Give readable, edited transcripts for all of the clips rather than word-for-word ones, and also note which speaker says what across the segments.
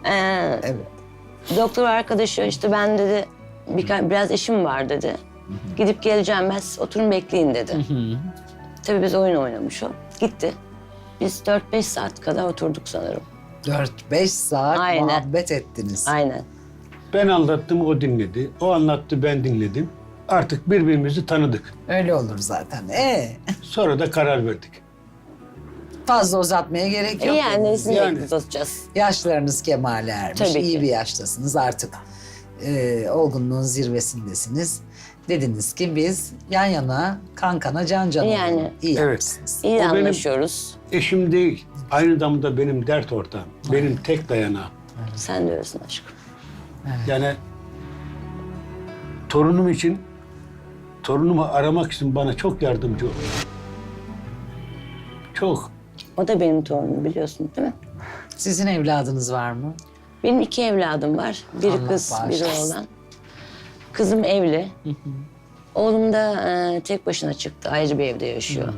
Speaker 1: Evet.
Speaker 2: Doktor arkadaşı işte ben dedi biraz işim var dedi. Gidip geleceğim ben oturun bekleyin dedi. Tabii biz oyun oynamış o. Gitti. Biz 4-5 saat kadar oturduk sanırım.
Speaker 1: 4-5 saat
Speaker 2: Aynen.
Speaker 1: muhabbet ettiniz.
Speaker 2: Aynen.
Speaker 3: Ben anlattım, o dinledi. O anlattı, ben dinledim. Artık birbirimizi tanıdık.
Speaker 1: Öyle olur zaten.
Speaker 3: Sonra da karar verdik.
Speaker 1: Fazla uzatmaya gerek yok.
Speaker 2: Yani nesini
Speaker 3: Yani.
Speaker 2: uzatacağız?
Speaker 1: Yaşlarınız kemale ermiş.
Speaker 2: Tabii
Speaker 1: İyi
Speaker 2: ki.
Speaker 1: bir yaştasınız artık. Olgunluğun zirvesindesiniz. Dediniz ki biz yan yana, kan kana, can cana
Speaker 2: Yani.
Speaker 1: olalım. İyi
Speaker 3: Evet.
Speaker 1: yapmışsınız.
Speaker 2: İyi
Speaker 3: O benim-
Speaker 2: anlaşıyoruz.
Speaker 3: Eşim değil, aynı zamanda benim dert ortağım. Benim tek dayanağım.
Speaker 2: Sen de öylesin aşkım.
Speaker 3: Yani torunum için, torunumu aramak için bana çok yardımcı oldu. Çok.
Speaker 2: O da benim torunum biliyorsun değil mi?
Speaker 1: Sizin evladınız var mı?
Speaker 2: Benim 2 evladım var. Biri
Speaker 1: Allah
Speaker 2: kız, biri
Speaker 1: bağışlasın.
Speaker 2: oğlan. Kızım evli. Oğlum da tek başına çıktı. Ayrı bir evde yaşıyor.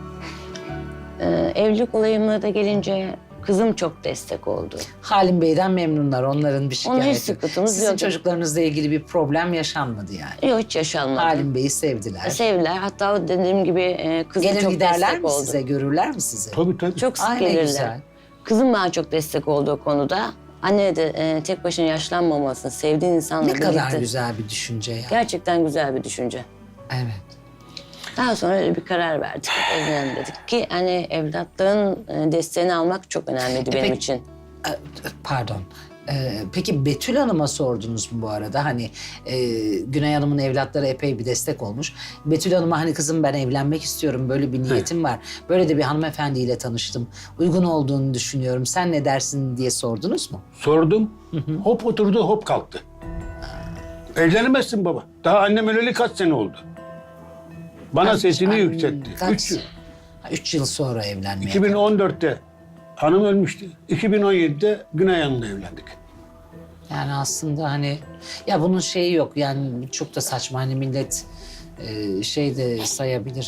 Speaker 2: Evlilik olayıma da gelince kızım çok destek oldu.
Speaker 1: Halim Bey'den memnunlar. Onların bir şikayeti
Speaker 2: Onun hiç sıkıntımız
Speaker 1: Sizin
Speaker 2: yok.
Speaker 1: çocuklarınızla ilgili bir problem yaşanmadı yani.
Speaker 2: Yok hiç yaşanmadı.
Speaker 1: Halim Bey'i sevdiler.
Speaker 2: Sevdiler. Hatta o dediğim gibi kızım
Speaker 1: Gelir
Speaker 2: çok
Speaker 1: giderler
Speaker 2: destek
Speaker 1: mi
Speaker 2: oldu.
Speaker 1: size? Görürler mi sizi?
Speaker 3: Tabii tabii.
Speaker 2: Çok sık
Speaker 1: Ay, ne
Speaker 2: gelirler.
Speaker 1: güzel.
Speaker 2: Kızım bana çok destek oldu o konuda. Anne de tek başına yaşlanmamasın, sevdiğin insanla
Speaker 1: Ne kadar
Speaker 2: birlikte.
Speaker 1: güzel bir düşünce ya.
Speaker 2: Gerçekten güzel bir düşünce.
Speaker 1: Evet.
Speaker 2: Daha sonra öyle bir karar verdik. Evlenelim dedik ki hani evlatların desteğini almak çok önemliydi benim
Speaker 1: peki-
Speaker 2: için.
Speaker 1: Pardon. Peki Betül Hanım'a sordunuz mu bu arada? Hani Güney Hanım'ın evlatları epey bir destek olmuş. Betül Hanım'a hani kızım ben evlenmek istiyorum, böyle bir niyetim var. Böyle de bir hanımefendiyle tanıştım. Uygun olduğunu düşünüyorum. Sen ne dersin diye sordunuz mu?
Speaker 3: Sordum, hop oturdu, hop kalktı. Evlenemezsin baba. Daha annem öleli kaç sene oldu. Bana sesini yükseltti.
Speaker 1: Kaç?
Speaker 3: 3 yıl.
Speaker 1: 3 yıl sonra evlenmeye.
Speaker 3: 2014'te hanım ölmüştü. 2017'de Güney Hanım'la evlendik.
Speaker 1: Yani aslında hani ya bunun şeyi yok yani çok da saçma hani millet şey de sayabilir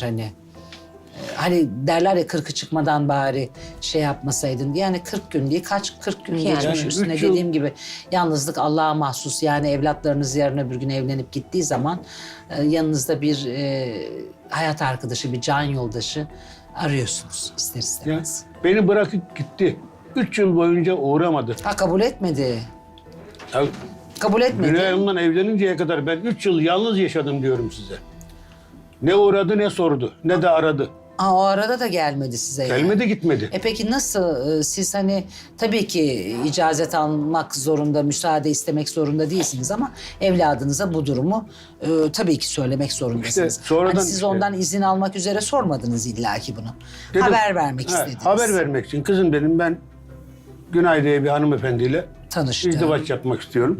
Speaker 1: hani derler ya 40'ı çıkmadan bari şey yapmasaydın yani 40 gün değil kaç 40 gün
Speaker 2: Yani
Speaker 1: geçmiş üstüne
Speaker 3: 3 yıl.
Speaker 1: dediğim gibi yalnızlık Allah'a mahsus yani evlatlarınız yarın öbür gün evlenip gittiği zaman yanınızda bir hayat arkadaşı bir can yoldaşı arıyorsunuz ister
Speaker 3: Ya,
Speaker 1: istemez.
Speaker 3: beni bırakıp gitti. 3 yıl boyunca uğramadı.
Speaker 1: Ha kabul etmedi.
Speaker 3: Ya,
Speaker 1: Kabul etmedi.
Speaker 3: Güney Hanım'la evleninceye kadar ben 3 yıl yalnız yaşadım diyorum size. Ne uğradı ne sordu ne de aradı.
Speaker 1: Ha, o arada da gelmedi size yani.
Speaker 3: Gelmedi gitmedi.
Speaker 1: Peki nasıl siz hani tabii ki icazet almak zorunda, müsaade istemek zorunda değilsiniz ama evladınıza bu durumu tabii ki söylemek zorundasınız.
Speaker 3: İşte sonradan
Speaker 1: Hani siz
Speaker 3: işte-
Speaker 1: ondan izin almak üzere sormadınız illaki bunu.
Speaker 3: Dedim,
Speaker 1: Haber vermek
Speaker 3: ha,
Speaker 1: istediniz.
Speaker 3: Haber vermek için kızım dedim ben Günay diye bir hanımefendiyle
Speaker 1: Tanıştı.
Speaker 3: izdivaç yapmak istiyorum.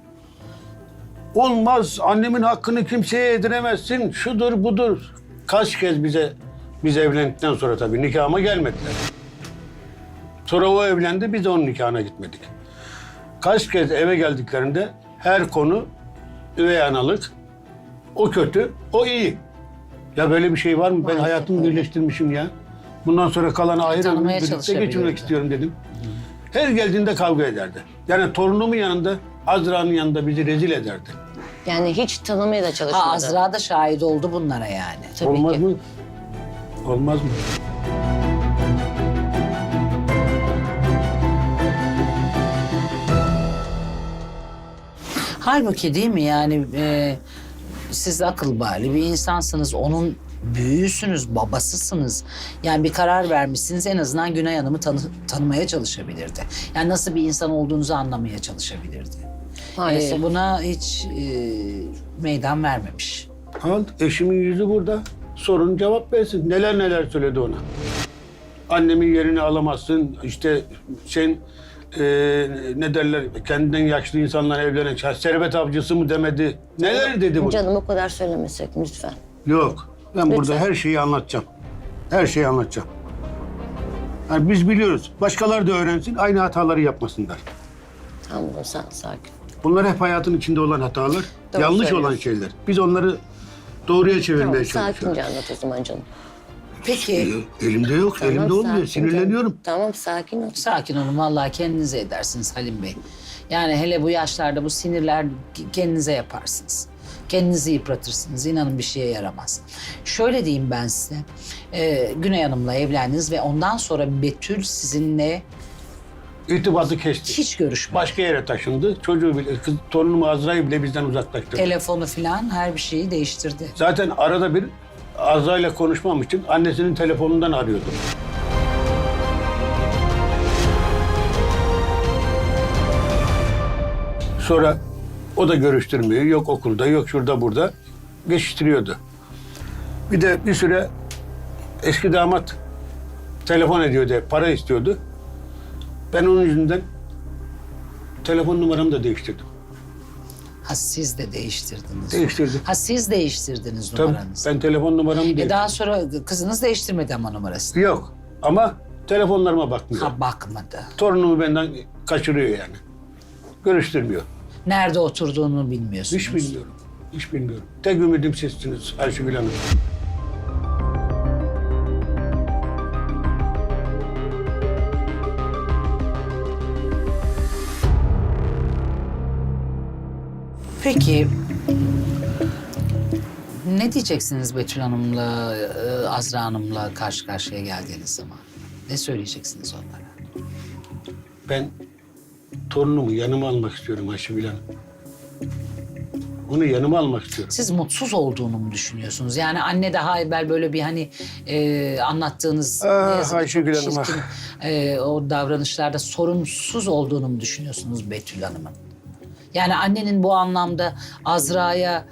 Speaker 3: Olmaz annemin hakkını kimseye yediremezsin şudur budur. Kaç kez biz evlendikten sonra tabii nikahıma gelmediler. Sonra o evlendi biz de onun nikahına gitmedik. Kaç kez eve geldiklerinde her konu üvey analık. O kötü, o iyi. Ya böyle bir şey var mı? Ben
Speaker 1: Maalesef
Speaker 3: hayatımı
Speaker 1: öyle.
Speaker 3: birleştirmişim ya. Bundan sonra kalan ayrı
Speaker 1: Tanımaya
Speaker 3: birlikte
Speaker 1: çalışabilirdi.
Speaker 3: geçirmek istiyorum dedim. Her geldiğinde kavga ederdi. Yani torunumun yanında, Azra'nın yanında bizi rezil ederdi.
Speaker 2: Yani hiç tanımaya da çalışmadı.
Speaker 1: Ha Azra da şahit oldu bunlara yani.
Speaker 2: Tabii
Speaker 3: Olmaz
Speaker 2: ki.
Speaker 3: mı? Olmaz mı?
Speaker 1: Halbuki değil mi yani siz akıl bali bir insansınız. Onun büyüğüsünüz, babasısınız. Yani bir karar vermişsiniz en azından Güney Hanım'ı tanımaya çalışabilirdi. Yani nasıl bir insan olduğunuzu anlamaya çalışabilirdi.
Speaker 2: Maalesef.
Speaker 1: Buna hiç meydan vermemiş.
Speaker 3: Al, eşimin yüzü burada. Sorun cevap versin. Neler neler söyledi ona. Annemin yerini alamazsın. İşte sen ne derler kendinden yaşlı insanlar evlenen servet avcısı mı demedi. Neler dedi bu?
Speaker 2: Canım o kadar söylemesek lütfen.
Speaker 3: Yok. Ben burada
Speaker 2: Lütfen.
Speaker 3: her şeyi anlatacağım. Her şeyi anlatacağım. Yani biz biliyoruz. Başkaları da öğrensin. Aynı hataları yapmasınlar.
Speaker 2: Tamam sen sakin.
Speaker 3: Bunlar hep hayatın içinde olan hatalar.
Speaker 2: Doğru
Speaker 3: yanlış olan
Speaker 2: söylüyorsun.
Speaker 3: şeyler. Biz onları doğruya çevirmeye
Speaker 2: Tamam,
Speaker 3: çalışıyoruz.
Speaker 2: sakince anlat o zaman canım.
Speaker 1: Peki
Speaker 3: Elimde yok,
Speaker 2: Tamam,
Speaker 3: elimde olmuyor.
Speaker 2: sakin
Speaker 3: Sinirleniyorum.
Speaker 2: canım. Tamam sakin ol.
Speaker 1: sakin olun, vallahi kendinize edersiniz Halim Bey. Yani hele bu yaşlarda bu sinirler kendinize yaparsınız. Kendinizi yıpratırsınız. İnanın bir şeye yaramaz. Şöyle diyeyim ben size. Güney Hanım'la evlendiniz ve ondan sonra Betül sizinle
Speaker 3: İrtibatı kesti.
Speaker 1: hiç görüşmedi.
Speaker 3: Başka yere taşındı. Çocuğu bile, torunum Azra'yı bile bizden uzaklaştırdı.
Speaker 1: Telefonu falan her bir şeyi değiştirdi.
Speaker 3: Zaten arada bir Azra'yla konuşmam için annesinin telefonundan arıyordu. Sonra o da görüştürmüyor. Yok okulda, yok şurada burada. Geçiştiriyordu. Bir de bir süre eski damat telefon ediyordu, para istiyordu. Ben onun yüzünden telefon numaramı da değiştirdim.
Speaker 1: Ha siz de değiştirdiniz.
Speaker 3: Değiştirdim.
Speaker 1: Ha siz değiştirdiniz
Speaker 3: Tabii
Speaker 1: numaranızı.
Speaker 3: ben telefon numaramı değiştirdim.
Speaker 1: Daha sonra kızınız değiştirmedi ama numarasını.
Speaker 3: Yok ama telefonlarıma bakmıyor.
Speaker 1: Ha bakmadı.
Speaker 3: Torunumu benden kaçırıyor yani. Görüştürmüyor.
Speaker 1: Nerede oturduğunu bilmiyorsunuz.
Speaker 3: Hiç bilmiyorum. Hiç bilmiyorum. Tek ümidim sizsiniz Ayşegül Hanım.
Speaker 1: Peki ne diyeceksiniz Betül Hanım'la, Azra Hanım'la karşı karşıya geldiğiniz zaman? Ne söyleyeceksiniz onlara?
Speaker 3: Ben torunumu yanıma almak istiyorum Ayşegül Hanım. Onu yanıma almak istiyorum.
Speaker 1: Siz mutsuz olduğunu mu düşünüyorsunuz? Yani anne daha evvel böyle bir hani anlattığınız ne yazık ki
Speaker 3: Ayşegül
Speaker 1: çok
Speaker 3: Hanım,
Speaker 1: çirkin, o davranışlarda sorumsuz olduğunu mu düşünüyorsunuz Betül Hanım'ın? Yani annenin bu anlamda Azra'ya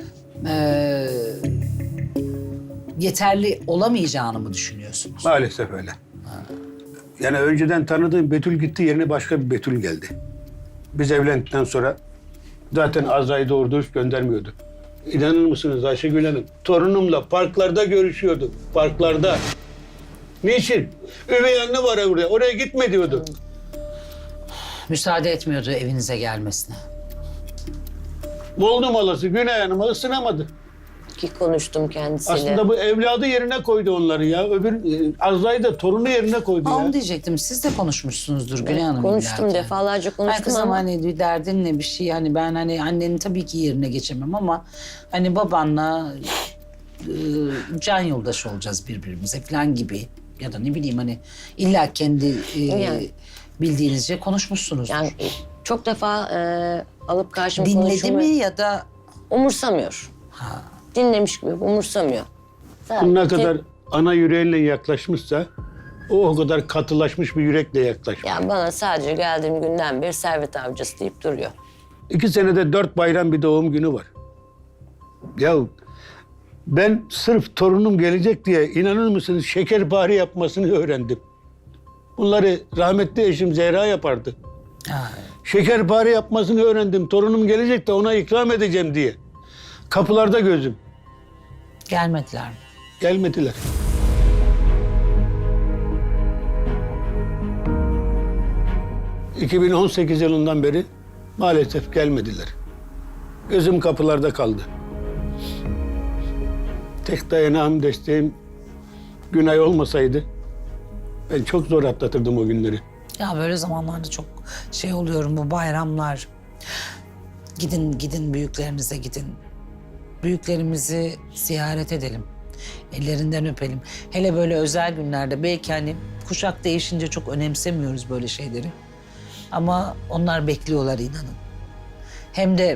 Speaker 1: yeterli olamayacağını mı düşünüyorsunuz?
Speaker 3: Maalesef öyle. Yani önceden tanıdığım Betül gitti, yerine başka bir Betül geldi. Biz evlendikten sonra zaten Azra'yı doğru dürüst göndermiyordu. İnanır mısınız Ayşegül Hanım? Torunumla parklarda görüşüyordu. Parklarda. Niçin? Üvey anne var oraya. Oraya gitme diyordu.
Speaker 1: Müsaade etmiyordu evinize gelmesine.
Speaker 3: Buldum halası Güney Hanım'a ısınamadı.
Speaker 2: Ki konuştum kendisiyle.
Speaker 3: Aslında bu evladı yerine koydu onları ya. Öbür Azra'yı da torunu yerine koydu ya.
Speaker 1: Onu diyecektim. Siz de konuşmuşsunuzdur Güney Hanım.
Speaker 2: Konuştum
Speaker 1: illaki.
Speaker 2: defalarca
Speaker 1: Ay
Speaker 2: konuştum
Speaker 1: kızım
Speaker 2: ama
Speaker 1: hani bir derdin ne bir şey hani ben hani annenin tabii ki yerine geçemem ama hani babanla can yoldaşı olacağız birbirimize falan gibi ya da ne bileyim hani illa kendi
Speaker 2: Yani.
Speaker 1: bildiğinizce konuşmuşsunuzdur.
Speaker 2: yani çok defa alıp karşıma
Speaker 1: Dinledi
Speaker 2: konuşumu
Speaker 1: mi ya da
Speaker 2: umursamıyor. Dinlemiş gibi umursamıyor.
Speaker 3: Bu ne
Speaker 2: Sadece-
Speaker 3: kadar ana yüreğinle yaklaşmışsa o kadar katılaşmış bir yürekle yaklaşmış.
Speaker 2: Yani bana sadece geldiğim günden beri servet avcısı deyip duruyor.
Speaker 3: 2 senede 4 bayram bir doğum günü var. Ya ben sırf torunum gelecek diye inanır mısınız şekerpare yapmasını öğrendim. Bunları rahmetli eşim Zehra yapardı.
Speaker 1: ha,
Speaker 3: Şekerpare yapmasını öğrendim. Torunum gelecek de ona ikram edeceğim diye. Kapılarda gözüm.
Speaker 1: gelmediler mi?
Speaker 3: Gelmediler. ...2018 yılından beri maalesef gelmediler. Gözüm kapılarda kaldı. Tek dayanağım, desteğim Günay olmasaydı... ...ben çok zor atlatırdım o günleri.
Speaker 1: Ya böyle zamanlarda çok şey oluyorum bu bayramlar. Gidin büyüklerinize gidin. Büyüklerimizi ziyaret edelim. Ellerinden öpelim. Hele böyle özel günlerde belki hani kuşak değişince çok önemsemiyoruz böyle şeyleri. Ama onlar bekliyorlar inanın. Hem de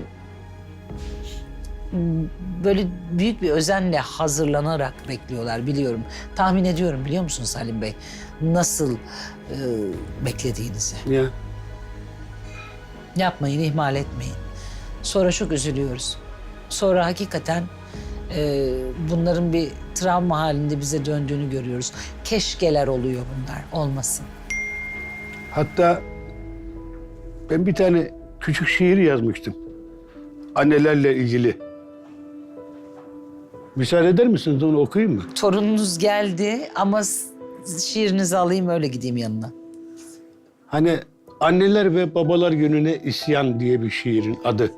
Speaker 1: böyle büyük bir özenle hazırlanarak bekliyorlar biliyorum. Tahmin ediyorum biliyor musunuz Halim Bey? Nasıl beklediğinizi.
Speaker 3: Ya
Speaker 1: Yapmayın, ihmal etmeyin. Sonra çok üzülüyoruz. Sonra hakikaten bunların bir travma halinde bize döndüğünü görüyoruz. Keşkeler oluyor bunlar, olmasın.
Speaker 3: hatta ben bir tane küçük şiir yazmıştım. Annelerle ilgili. Müsaade eder misiniz onu okuyayım mı?
Speaker 1: Torununuz geldi ama şiirinizi alayım öyle gideyim yanına.
Speaker 3: Hani anneler ve babalar gününe isyan diye bir şiirin adı.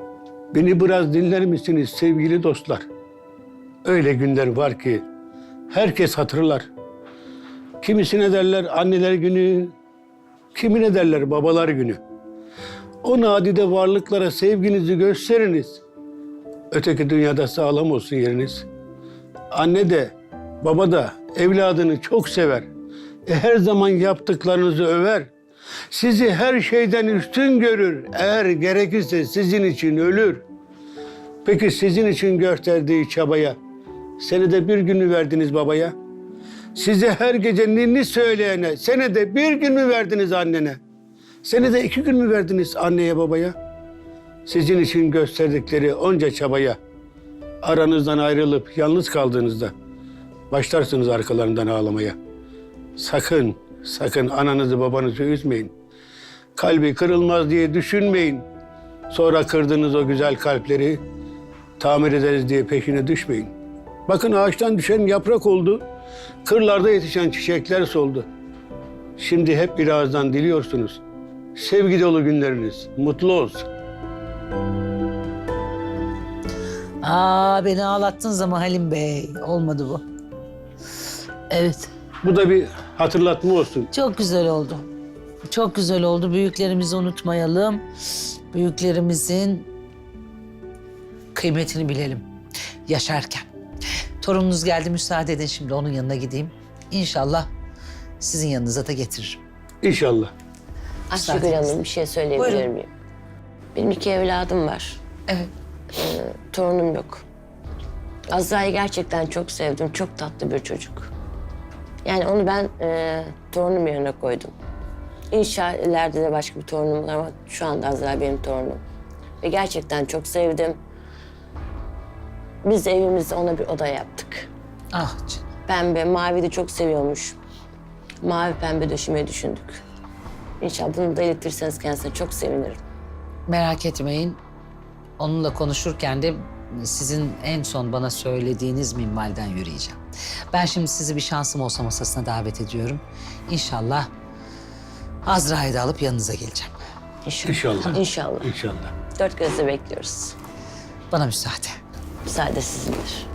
Speaker 3: Beni biraz dinler misiniz sevgili dostlar? Öyle günler var ki herkes hatırlar. Kimisine derler anneler günü, kimine derler babalar günü. O nadide varlıklara sevginizi gösteriniz. Öteki dünyada sağlam olsun yeriniz. Anne de, baba da evladını çok sever. Her zaman yaptıklarınızı över. Sizi her şeyden üstün görür. Eğer gerekirse sizin için ölür. Peki sizin için gösterdiği çabaya, senede bir günü verdiniz babaya? Size her gece ninni söyleyene, senede bir gün mü verdiniz annene? Senede 2 gün mü verdiniz anneye babaya? Sizin için gösterdikleri onca çabaya, aranızdan ayrılıp yalnız kaldığınızda başlarsınız arkalarından ağlamaya. Sakın, sakın ananızı babanızı üzmeyin. Kalbi kırılmaz diye düşünmeyin. Sonra kırdığınız o güzel kalpleri tamir ederiz diye peşine düşmeyin. Bakın ağaçtan düşen yaprak oldu, kırlarda yetişen çiçekler soldu. Şimdi hep bir ağızdan diliyorsunuz. Sevgi dolu günleriniz mutlu olsun.
Speaker 1: Beni ağlattınız ama Halim Bey. Olmadı bu. Evet.
Speaker 3: Bu da bir hatırlatma olsun.
Speaker 1: Çok güzel oldu. Çok güzel oldu. Büyüklerimizi unutmayalım. Büyüklerimizin kıymetini bilelim. Yaşarken. Torununuz geldi, müsaade edin şimdi onun yanına gideyim. İnşallah sizin yanınıza da getiririm.
Speaker 3: İnşallah.
Speaker 2: Ayşegül Hanım bir şey söyleyebilir
Speaker 1: Buyurun.
Speaker 2: miyim? Benim 2 evladım var.
Speaker 1: Evet.
Speaker 2: Torunum yok. Azra'yı gerçekten çok sevdim. Çok tatlı bir çocuk. Yani onu ben torunum yerine koydum. İnşallah ileride de başka bir torunum olur ama şu anda Azra benim torunum. Ve gerçekten çok sevdim. Biz evimizde ona bir oda yaptık.
Speaker 1: Ah canım.
Speaker 2: Pembe, mavi de çok seviyormuş. Mavi pembe döşemeyi düşündük. İnşallah bunu da iletirseniz kendisine çok sevinirim.
Speaker 1: Merak etmeyin. Onunla konuşurken de sizin en son bana söylediğiniz minvalden yürüyeceğim. Ben şimdi sizi bir şansım olsa masasına davet ediyorum. İnşallah Azra'yı da alıp yanınıza geleceğim.
Speaker 3: İnşallah.
Speaker 2: İnşallah.
Speaker 3: İnşallah.
Speaker 2: 4 gözle bekliyoruz.
Speaker 1: Bana müsaade.
Speaker 2: Müsaade sizindir.